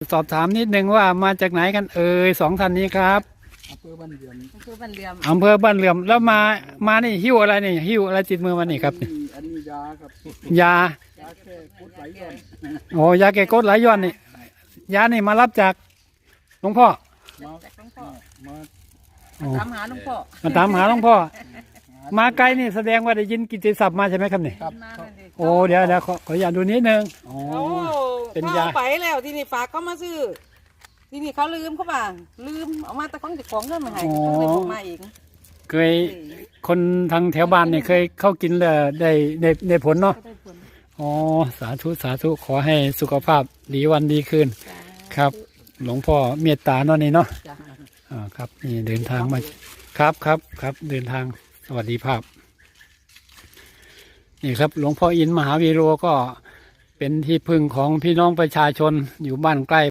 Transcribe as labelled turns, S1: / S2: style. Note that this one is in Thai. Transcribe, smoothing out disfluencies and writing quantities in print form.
S1: สอบถามนิดนึงว่ามาจากไหนกันสองท่านนี้ครับ
S2: อำเภอบ้านเหลื่อม
S3: อำเภอบ้านเหลื่อม
S1: อำเภอบ้านเหลื่อมแล้วมานี่หิ้วอะไรนี่หิ้วอะไรติดมือมานี่ครับ
S2: อันนี้ยาครับ
S1: ยา
S2: แก้กดไหลย้อน
S1: โอ้ยาแก้กรดไหลย้อนนี่ยานี่มารับจากหลวงพ่อ
S3: จากหลวงพ่อ
S2: มา
S3: ตามหาหลวงพ่อ
S1: มาตามหาหลวงพ่อมาไกลนี่แสดงว่าได้ยินกิตติศัพท์มาใช่ไหมครับนี่
S3: มาเลยดิ
S1: โอ้เดี๋ยวขออนุญาตดูนิดนึงโอ้
S4: โอ้
S1: เป็นยา
S4: เขาเอาไปแล้วที่นี่ฝากเขามาซื้อที่นี่เขาลืมเขาบ้างลืมเอามาแต่ของติดของเงินมาให้เขาเลยบอกมาเอง
S1: เคยคนทางแถวบ้านนี่เคยเข้ากินแล้วได้ผลเนาะ
S3: ก็ได้ผล
S1: อ๋อสาธุขอให้สุขภาพดีวันดีคืนครับ หลวงพ่อเมตตาเนาะนี่เนาะ
S3: จ้ะ
S1: ครับนี่เดินทางมาครับเดินทางสวัสดีภาพนี่ครับหลวงพ่ออินทร์มหาวีโรก็เป็นที่พึ่งของพี่น้องประชาชนอยู่บ้านใกล้